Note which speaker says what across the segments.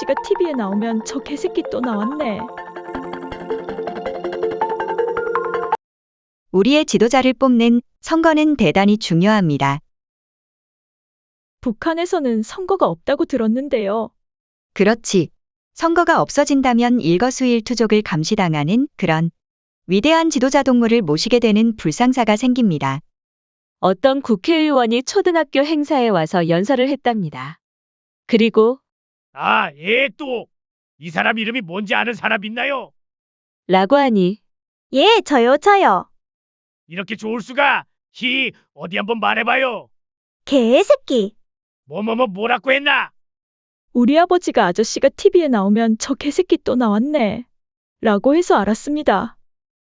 Speaker 1: 아저씨가 TV에 나오면 저 개새끼 또 나왔네.
Speaker 2: 우리의 지도자를 뽑는 선거는 대단히 중요합니다.
Speaker 1: 북한에서는 선거가 없다고 들었는데요.
Speaker 2: 그렇지. 선거가 없어진다면 일거수일투족을 감시당하는 그런 위대한 지도자 동물을 모시게 되는 불상사가 생깁니다.
Speaker 3: 어떤 국회의원이 초등학교 행사에 와서 연설을 했답니다. 그리고
Speaker 4: 아, 예, 또. 이 사람 이름이 뭔지 아는 사람 있나요?
Speaker 3: 라고 하니
Speaker 5: 예, 저요.
Speaker 4: 이렇게 좋을 수가. 어디 한번 말해봐요.
Speaker 5: 개새끼.
Speaker 4: 뭐라고 했나?
Speaker 1: 우리 아버지가 아저씨가 TV에 나오면 저 개새끼 또 나왔네. 라고 해서 알았습니다.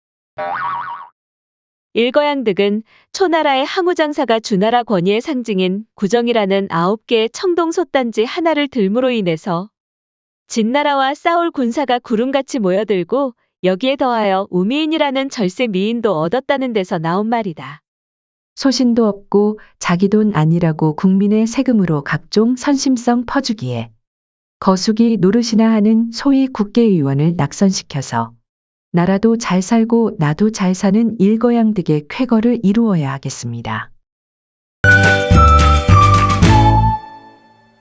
Speaker 3: 일거양득은 초나라의 항우장사가 주나라 권위의 상징인 구정이라는 9개의 청동솥단지 하나를 들므로 인해서 진나라와 싸울 군사가 구름같이 모여들고 여기에 더하여 우미인이라는 절세 미인도 얻었다는 데서 나온 말이다.
Speaker 6: 소신도 없고 자기 돈 아니라고 국민의 세금으로 각종 선심성 퍼주기에 거수기 노릇이나 하는 소위 국회의원을 낙선시켜서 나라도 잘 살고 나도 잘 사는 일거양득의 쾌거를 이루어야 하겠습니다.